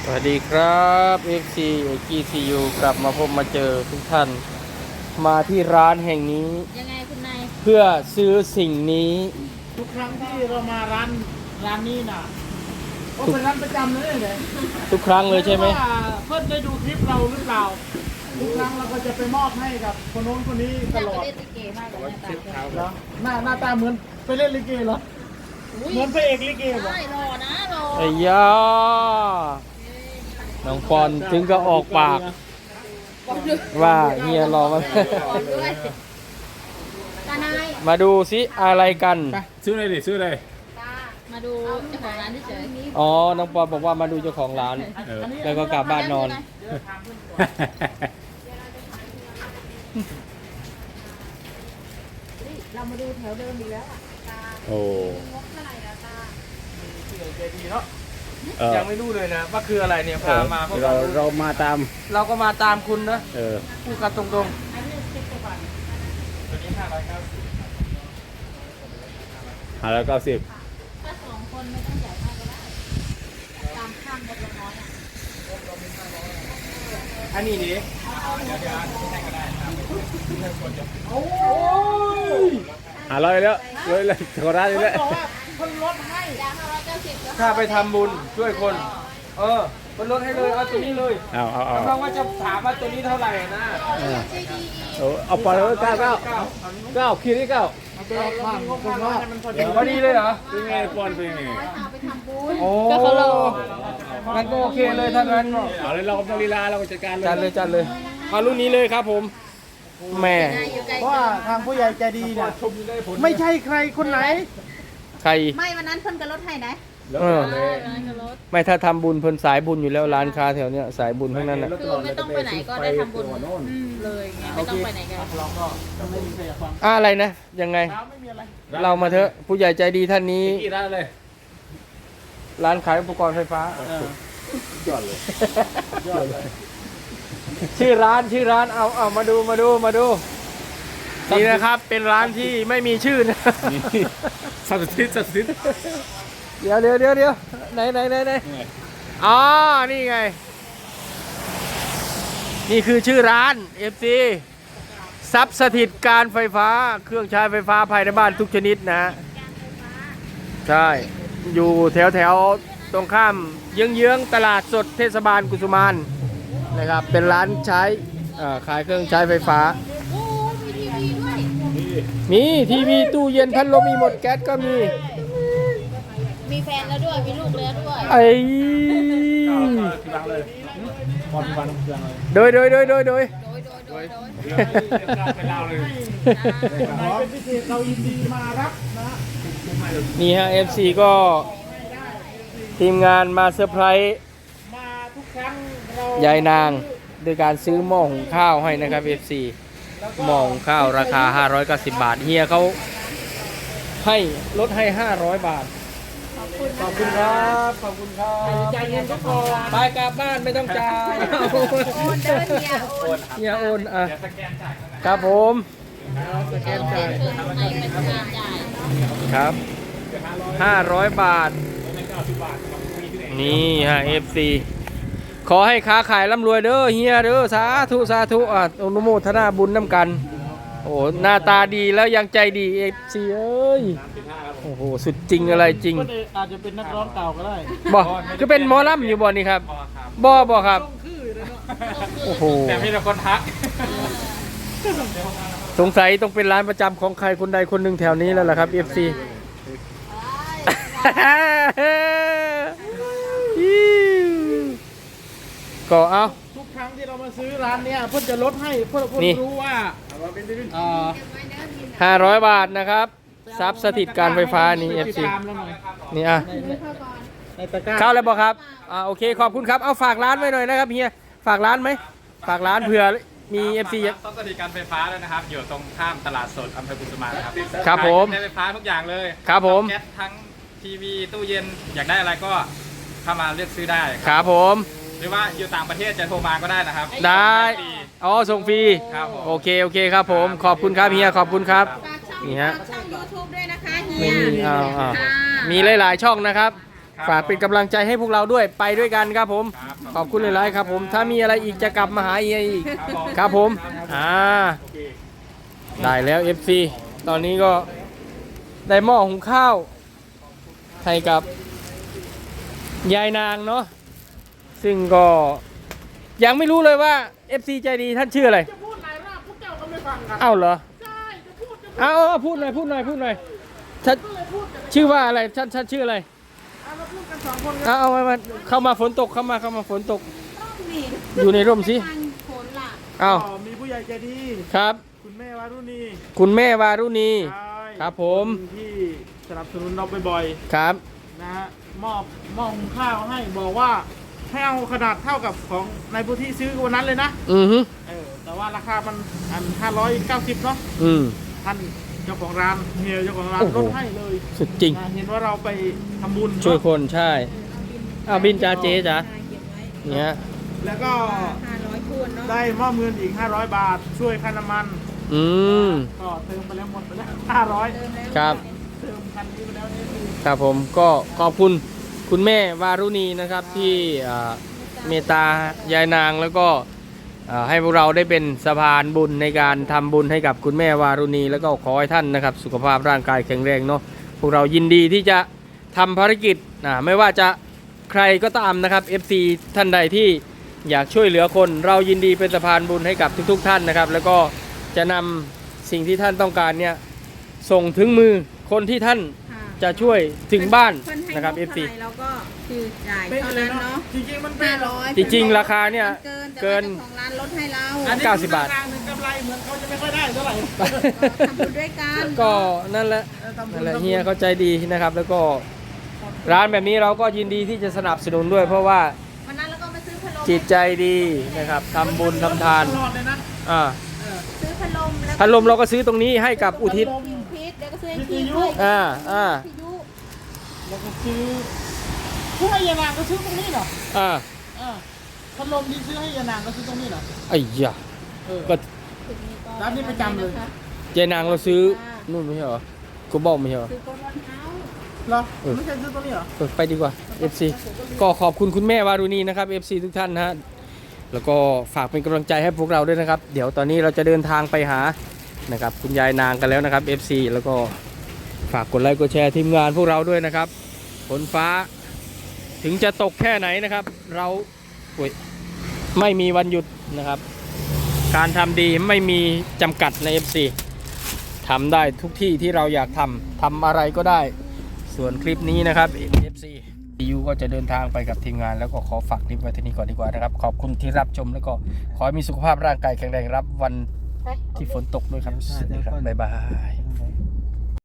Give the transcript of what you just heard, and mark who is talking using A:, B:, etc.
A: สวัสดีครับ FC GCU กลับมาพบมาเจอทุกท่านมาที่ร้านแห่งนี้
B: ยังไงคุณนาย
A: เพื่อซื้อสิ่งนี้
C: ทุกครั้งที่เรามาร้านนี้นะก็เป็นร้านประจำเลยเลย
A: ทุกครั้งเลยใช่ไหม
C: เพื่อนได้ดูคลิปเราหรือเปล่าทุกครั้งเราก็จะไปมอบให้กับคนโน้นคนนี้ตลอด
B: เล่นลิเกมากเลย
C: เหรอหน้าตาเหมือนไปเล่นลิเกเหรอเหมือนพระเอกลิเกเหรอ
B: ใช่รอนะรอ
A: ไอ้ยาน้องปอนถึงก็ออกปากว่าเฮียรอมามาดูซิอะไรกัน
D: ซื้อเลยดิซื้อเลย
B: มาดูเจ้าของร้านเฉย
A: อ๋อน้องปอนบอกว่ามาดูเจ้าของร้านแล้วก็กลับบ้านนอน
B: เรามาดูแถวเดิมดีแล้ว
D: โอ้
B: งบเท่าไหร่ละตา
C: ใจดีเนาะ
A: ยังไม่รู้เลยนะว่าคืออะไรเนี่ยพามา
D: เรามาตาม
A: เราก็มาตามคุณนะพูดกันตรงๆ
C: ตัวนี้590
D: 590
B: ถ้า2 คนไม่ต้องใหญ่มากก็ได้ตามข้างงบเราน้อย
A: อันนี้ดิ
D: 500แล้วเลยโคราชเลย
C: คนลดให้
A: ถ้าไปทำบุญช่วยคนมันลดให้เลยเอาตัวนี้เลย
D: เอา
A: เพราะว่าจะถามว่าตัวนี้เท่าไหร่นะ
D: เอาไปเลย9คิดที่9
A: พอดีเลยเหรอ
D: เป็นไงปอนเป็นไง
A: ก็เขาเรางั้นก็โอเคเลยถ้างั้น
D: เอาเลยเราต้องลีลาเราจัดการ
A: เลยจัดเลยเอารุ่นนี้เลยครับผมแม่
C: เพราะว่าทางผู้ใหญ่ใจดีเนี่ยไม่ใช่ใครคนไหน
A: ใคร
B: ไม่วันนั้นเพิ่นก็ลดให้นะ
A: ไม่ถ้าทำบุญเพิ่นสายบุญอยู่แล้วร้านค้าแถวเนี้ยสายบุญทั้งนั้นน่ะ
B: คือไม่ต้องไปไหนก็ได้ทำบุญเลยไงไม่ต้องไปไหนกัน
A: อะไรนะยังไงเรามาเถอะผู้ใหญ่ใจดีท่านนี้ร้านขายอุปกรณ์ไฟฟ้ายอดเลยชื่อร้านเอามาดูนี่นะครับเป็นร้านที่ไม่มีชื่อนะ
D: สับสิท
A: เดี๋ยวไหนอ๋อนี่ไงนี่คือชื่อร้าน FC ทรัพย์สถิตการไฟฟ้าเครื่องใช้ไฟฟ้าภายในบ้านทุกชนิดนะใช่อยู่แถวตรงข้ามเยื้องตลาดสดเทศบาลกุสุมานนะครับเป็นร้านใช้ขายเครื่องใช้ไฟฟ้ามีทีวีตู้เย็นพัดลมมีหมดแก๊สก็มี
B: แฟนแล้วด้วยมีลูกแล้วด้วย
A: ไอ้โดย
C: เป็นพิเศษเรายินดีมารับนะ
A: นี่ฮะ FC ก็ทีมงานมาเซอร์ไพรส์
C: มาทุกครั้ง
A: ยายนางโดยการซื้อหม้อหุงข้าวให้นะครับ FC หม้อหุงข้าวราคา590 บาทเฮียเขาให้ลดให้500 บาทขอบคุณครับ
C: ใจเย็นก็พอ
A: ไปกลับบ้านไม่ต้องจ่ายเฮียโอนครับผม
B: สแกนจ่าย
A: ครับ500 บาทนี่ฮะ FC ขอให้ค้าขายร่ำรวยเด้อเฮียเด้อสาธุอนุโมทนาบุญน้ำกันโอ้หน้าตาดีแล้วยังใจดี FC เอ้ยโอ้โหสุดจริงอะไรจริง
C: อาจจะเป็นนักร้องเก่าก็ได้
A: บ่ก็เป็นหมอลำอยู่บ่นี่ครับบ่ครับโอ้โห
D: แต่มีแต่คนทัก
A: สงสัยต้องเป็นร้านประจำของใครคนใดคนหนึ่งแถวนี้แล้วล่ะครับ FC ก็เอา
C: ทุกครั้งที่เรามาซื้อร้านเนี้ยเพื่อนจะลดให้เพื่อนรู้ว่า
A: 500 บาทนะครับทรัพย์สถิตการไฟฟ้านี่ FC นี่เข้าแล้วบอกครับโอเคขอบคุณครับเอาฝากร้านไว้หน่อยนะครับเฮียฝากร้านไหมฝากร้านเผื่อมี FC
D: ทรัพย์สถิตการไฟฟ้าด้วยนะครับอยู่ตรงข้ามตลาดสดอำเภอกุสุมานครับ
A: ครับผม
D: ใช้ไฟฟ้าทุกอย่างเลย
A: ครับผม
D: แก๊สทั้งทีวีตู้เย็นอยากได้อะไรก็เข้ามาเลือกซื้อได้
A: ครับผม
D: หรือว่าอยู่ต่างประเทศจะโทรมาก็ได้นะครับ
A: ได้ส่งฟรีโอเคครับผมขอบคุณครับเฮียขอบคุณครับนี่ฮะ
B: ช่อง YouTube ด้วยนะคะเฮี
A: ยมีหลายๆช่องนะครับฝากเป็นกำลังใจให้พวกเราด้วยไปด้วยกันครับผม
D: ครับ
A: ขอบคุณหลายๆครับผมถ้ามีอะไรอีกจะกลับมาหาอีกครับผมได้แล้ว FC ตอนนี้ก็ได้หม้อหุงข้าวให้กับยายนางเนาะซึ่งก็ยังไม่รู้เลยว่า FC ใจดีท่านชื่ออะไร
C: จะพูดหลายรอบพวกเจ้าก็ไม่ฟังกัน
A: เอ้าเหรอ
C: ใช่จะพูดจะ
A: เอาพูดหน่อยท่าน
C: ก็เลยพูดกัน
A: ชื่อว่าอะไรท่านชื่ออะไร
C: เอามาพูดกันสองคนกัน
A: เอามาเข้ามาฝนตกเข้ามาฝนตก
B: ต้องมี
A: อยู่ในร่มสิ
B: ทางผลล่ะ
A: เอา
C: ก็มีผู้ใหญ่ใจดี
A: ครับ
C: คุณแม่วารุณี
A: คุณแม่วารุณี
C: ใช่
A: ครับผม
C: ที่สนับสนุนเราบ่อย
A: ครับ
C: ๆนะฮะมอบหุงข้าวให้บอกว่าให้เอาขนาดเท่ากับของในพื้นที่ซื้อวันนั้นเลยนะ
A: อือฮึ
C: แต่ว่าราคามัน590เนาะ
A: อืม
C: ท่านเจ้าของร้านเฮียเจ้าของร้าน
A: โอ้โห
C: ลดให้เลย
A: สุดจริง
C: นะเห็นว่าเราไปทำบุญ
A: ช่วย
C: เนาะ
A: คนใช่เอาบินจ้าเจ๊จ้า
B: เก็บไว้
A: เนี่ย
C: แล้วก็
B: 500คูณเนาะ
C: ได้มอบเงินอีก500 บาท ช่วยค่าน้ำมัน
A: อืม
C: ก็เติมไปแล้วหมดไปแล้ว
B: เติมแล้ว
A: ครับ
C: 500เติมคันนี้ไปแล้วนี่คือ
A: ครับผมก็ขอบคุณคุณแม่วารุณีนะครับที่เมตตายายนางแล้วก็ให้พวกเราได้เป็นสะพานบุญในการทำบุญให้กับคุณแม่วารุณี แล้วก็ขอให้ท่านนะครับสุขภาพร่างกายแข็งแรงเนาะพวกเรายินดีที่จะทำภารกิจไม่ว่าจะใครก็ตามนะครับ FC ท่านใดที่อยากช่วยเหลือคนเรายินดีเป็นสะพานบุญให้กับทุกๆท่านนะครับ แล้วก็จะนำสิ่งที่ท่านต้องการเนี่ยส่งถึงมือคนที่ท่าน
B: ค่ะ
A: จะช่วยถึงบ้าน
B: เพิ่ให้
A: นะครับ
B: ง
A: FC
B: เท่าไหเราก็คือจ่าย
C: เป๊ะ
B: เท่า
C: เลย
B: นั้น
C: เนาะ
B: เนาะ
C: จริงๆมันเป็น
B: 500
A: จริงๆราคาเนี่ย
B: เกิน
A: เกิน
B: แต่ว่าเจ้าของร้านลดให้เรา
C: อันนี้
A: 90 บาท
C: ราคหนึ่งกำไรเหมือนเขาจะไม่ค่อยได้เท่าไหร่
B: ทำบุญด้วยกัน
A: ก็นั่นแหละ
C: ทำบุญ
A: นั่นแหละเฮียเข้าใจดีนะครับ แล้วก็ร้านแบบนี้เราก็ยินดีที่จะสนับสนุนด้วย เพราะว่า
B: วันนั้นเราก็มาซื้อพัดลม
A: จิตใจดีนะครับทำบุญทำทาน
C: ตลอดเลยนะ
A: อ่า
B: ซื้อพัดลมแล้ว
A: พัดลมเราก็ซื้อตรงนี้ให้กับอุทิศ
B: พิมพิษเดี๋ยวก็ซื้อให้ทีมด้วย
A: อ่า
B: พิยุ
C: แล้วก็ซื้อผู้ให้ยานางก็ซื้อตรงนี้เหรอ
A: อ่า
C: พัดลมที่ซื้อให้ยานางก็ซื้อตรงนี้เหรอ
A: ไอ้ยะ
C: เออ
A: ก็
B: ถึงนี้ก็
C: ร้านนี้ประจำเลย
B: นะคะ
A: เจนางเราซื้อนู่นไม่ใช่เหรอกูบอกไม่ใช่เหรอ
B: ซื้อโกลบอลเฮาส์
C: เหรอไม่ใช่ซื้อตรงนี้เหรอ
A: ไปดีกว่า FC ก็ขอบคุณคุณแม่วารุณีนะครับ FC ทุกท่านนะฮะแล้วก็ฝากเป็นกำลังใจให้พวกเราด้วยนะครับ เดี๋ยวตอนนี้เราจะเดินทางไปหานะครับคุณยายนางกันแล้วนะครับ FC แล้วก็ฝากกดไลค์กดแชร์ทีมงานพวกเราด้วยนะครับฝนฟ้าถึงจะตกแค่ไหนนะครับ เราอุ๊ยไม่มีวันหยุดนะครับ การทำดีไม่มีจำกัดใน FC ทำได้ทุกที่ที่เราอยากทำอะไรก็ได้ ส่วนคลิปนี้นะครับ FCยูก็จะเดินทางไปกับทีมงานแล้วก็ขอฝากคลิปไว้ที่นี่ก่อนดีกว่านะครับ ขอบคุณที่รับชมแล้วก็ขอให้มีสุขภาพร่างกายแข็งแรงรับวันที่ฝนตกด้วยครับสวัสดีครับบ๊ายบาย